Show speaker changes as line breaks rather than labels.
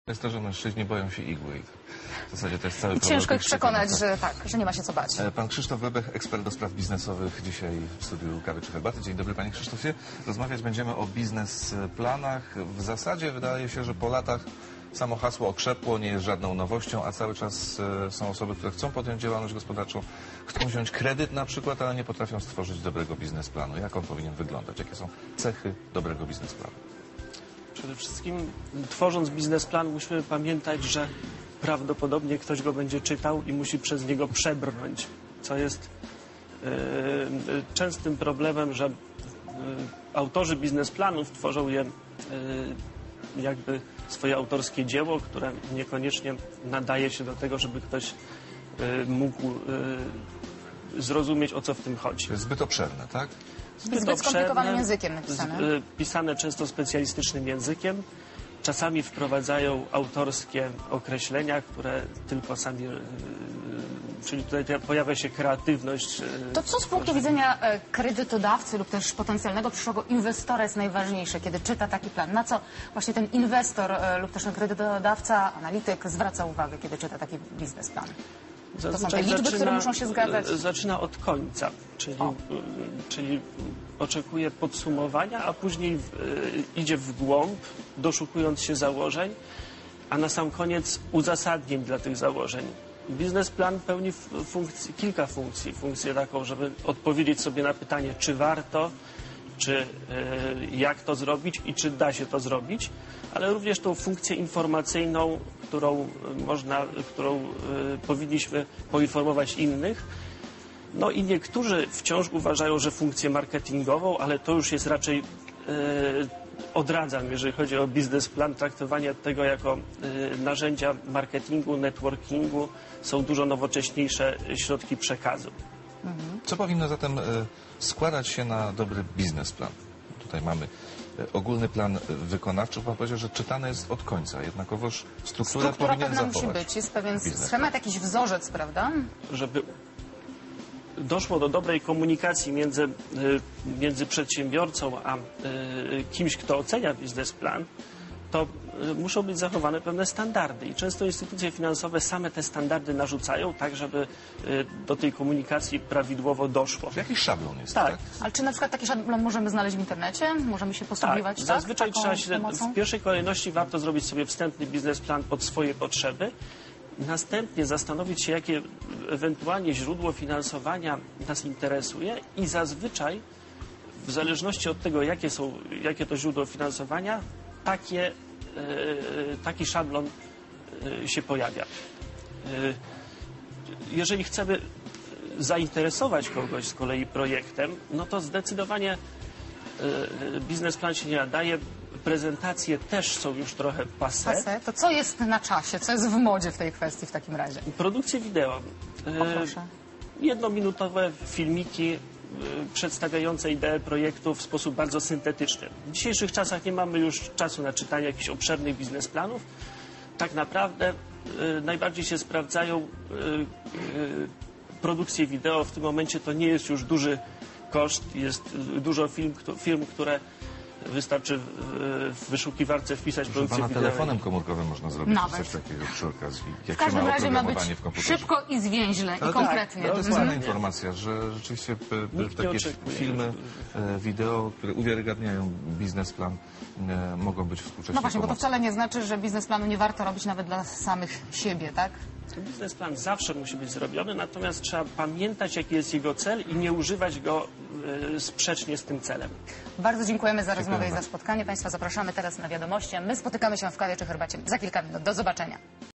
Jest to, że mężczyźni boją się igły i w zasadzie to jest cały problem.
Ciężko ich przekonać, że tak, że nie ma się co bać.
Pan Krzysztof Webech, ekspert do spraw biznesowych, dzisiaj w studiu Kawy czy Herbaty. Dzień dobry, panie Krzysztofie. Rozmawiać będziemy o biznesplanach. W zasadzie wydaje się, że po latach samo hasło okrzepło, nie jest żadną nowością, a cały czas są osoby, które chcą podjąć działalność gospodarczą, chcą wziąć kredyt na przykład, ale nie potrafią stworzyć dobrego biznesplanu. Jak on powinien wyglądać? Jakie są cechy dobrego biznesplanu?
Przede wszystkim, tworząc biznesplan, musimy pamiętać, że prawdopodobnie ktoś go będzie czytał i musi przez niego przebrnąć, co jest częstym problemem, że autorzy biznesplanów tworzą je jakby swoje autorskie dzieło, które niekoniecznie nadaje się do tego, żeby ktoś mógł zrozumieć, o co w tym chodzi.
To jest zbyt obszerne, tak?
Zbyt skomplikowanym językiem napisane.
Pisane często specjalistycznym językiem. Czasami wprowadzają autorskie określenia, które tylko sami... Czyli tutaj pojawia się kreatywność.
To co z punktu widzenia kredytodawcy lub też potencjalnego przyszłego inwestora jest najważniejsze, kiedy czyta taki plan? Na co właśnie ten inwestor lub też ten kredytodawca, analityk zwraca uwagę, kiedy czyta taki biznesplan? To są te liczby, które muszą się zgadzać?
Zaczyna od końca, czyli oczekuje podsumowania, a później idzie w głąb, doszukując się założeń, a na sam koniec uzasadnień dla tych założeń. Biznesplan pełni kilka funkcji. Funkcję taką, żeby odpowiedzieć sobie na pytanie, czy warto, czy jak to zrobić i czy da się to zrobić, ale również tą funkcję informacyjną, którą powinniśmy poinformować innych. No i niektórzy wciąż uważają, że funkcję marketingową, ale to już jest raczej odradzam, jeżeli chodzi o biznesplan, traktowanie tego jako narzędzia marketingu, networkingu. Są dużo nowocześniejsze środki przekazu.
Co powinno zatem składać się na dobry biznesplan? Tutaj mamy ogólny plan wykonawczy. Pan powiedział, że czytane jest od końca. Jednakowoż struktura powinien
pewna
zachować.
musi być. Jest pewien schemat, jakiś wzorzec, prawda?
Żeby doszło do dobrej komunikacji między przedsiębiorcą a kimś, kto ocenia biznesplan, to muszą być zachowane pewne standardy i często instytucje finansowe same te standardy narzucają, tak żeby do tej komunikacji prawidłowo doszło.
Jakiś szablon jest,
tak?
tak?
Ale czy na przykład taki szablon możemy znaleźć w internecie? Możemy się posługiwać, tak?
Zazwyczaj
Taką
trzeba się,
pomocą?
w pierwszej kolejności warto zrobić sobie wstępny biznesplan pod swoje potrzeby. Następnie zastanowić się, jakie ewentualnie źródło finansowania nas interesuje i zazwyczaj, w zależności od tego, jakie to źródło finansowania, taki szablon się pojawia. Jeżeli chcemy zainteresować kogoś z kolei projektem, no to zdecydowanie biznesplan się nie nadaje. Prezentacje też są już trochę passé.
To co jest na czasie? Co jest w modzie w tej kwestii w takim razie?
Produkcje wideo.
Proszę.
Jednominutowe filmiki przedstawiające ideę projektu w sposób bardzo syntetyczny. W dzisiejszych czasach nie mamy już czasu na czytanie jakichś obszernych biznesplanów. Tak naprawdę najbardziej się sprawdzają produkcje wideo. W tym momencie to nie jest już duży koszt. Jest dużo firm, które wystarczy w wyszukiwarce wpisać produkcję
Pana
wideo.
telefonem komórkowym można zrobić
Nawet.
coś takiego przy okazji.
W każdym razie ma być szybko i zwięźle i konkretnie.
To jest ważna informacja, że rzeczywiście takie filmy, wideo, które uwiarygadniają biznesplan, mogą być współcześnie
No właśnie, bo to
pomocne.
wcale nie znaczy, że biznesplanu nie warto robić nawet dla samych siebie, tak?
Biznesplan zawsze musi być zrobiony, natomiast trzeba pamiętać, jaki jest jego cel i nie używać go sprzecznie z tym celem.
Bardzo dziękujemy za rozmowę i za spotkanie. Państwa zapraszamy teraz na wiadomości, a my spotykamy się w kawie czy herbacie za kilka minut. Do zobaczenia.